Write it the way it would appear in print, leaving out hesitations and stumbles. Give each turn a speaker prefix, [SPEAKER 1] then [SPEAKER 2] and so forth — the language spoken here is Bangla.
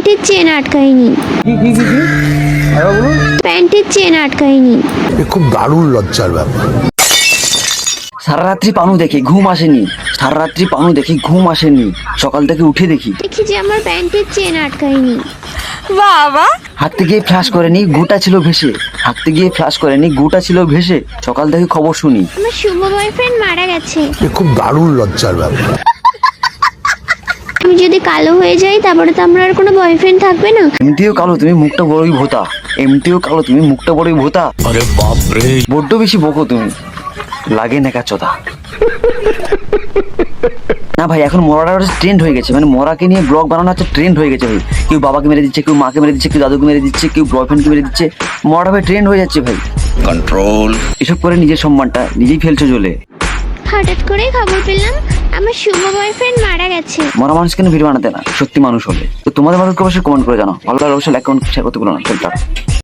[SPEAKER 1] প্যান্টের চেন আটকায়নি। প্যান্টের চেন আটকায়নি।
[SPEAKER 2] খুব দারুণ লজ্জার ব্যাপার।
[SPEAKER 3] সারা রাত্রি পানু দেখি ঘুম আসেনি, সারা রাত্রি পানু দেখি ঘুম আসেনি, সকাল থেকে উঠে দেখি
[SPEAKER 1] যে আমার প্যান্টের চেন আটকায়নি।
[SPEAKER 4] বাবা
[SPEAKER 3] হাঁটতে গিয়ে ফ্লাশ করেনি, গুটা ছিল ভেসে, হাঁটতে গিয়ে ফ্লাশ করেনি, গুটা ছিল ভেসে, সকাল থেকে খবর শুনি
[SPEAKER 1] আমার শুভ বয়ফ্রেন্ড মারা গেছে।
[SPEAKER 2] খুব দারুণ লজ্জার ব্যাপার।
[SPEAKER 1] আমি যদি কালো হয়ে যাই তারপরে তো আমার আর কোনো বয়ফ্রেন্ড থাকবে না।
[SPEAKER 3] এমনিতেও কালো তুমি, মুখটা বড়ই ভোতা, এমনিতেও কালো তুমি, মুখটা বড়ই ভোতা,
[SPEAKER 5] আরে বাপ রে,
[SPEAKER 3] বড্ড বেশি বকো তুমি, লাগে নেকা চোদা। না ভাই, এখন মরাটা ট্রেন্ড হয়ে গেছে, মানে মরাকে নিয়ে ব্লগ বানানো হচ্ছে ট্রেন্ড হয়ে গেছে ভাই। কেউ বাবাকে মেরে দিচ্ছে, কেউ মাকে মেরে দিচ্ছে, কেউ দাদুকে মেরে দিচ্ছে, কেউ বয়ফ্রেন্ডকে মেরে দিচ্ছে, মরাটা ভাই ট্রেন্ড হয়ে যাচ্ছে ভাই।
[SPEAKER 5] কন্ট্রোল।
[SPEAKER 3] এসব করে নিজের সম্মানটা নিজেই ফেলছো জ্বলে।
[SPEAKER 1] হঠাৎ করে খবর পেলাম আমার শুভ বয়ফ্রেন্ড মারা গেছে।
[SPEAKER 3] মরা মানুষ কেন ভিডিও বানাতে না, সত্যি মানুষ হলে। তো তোমাদের ভালো অবশ্যই কমেন্ট করে জানো, ভালো লাগলে অবশ্যই লাইক কমেন্ট শেয়ার করতে ভুলো না। চল টাটা।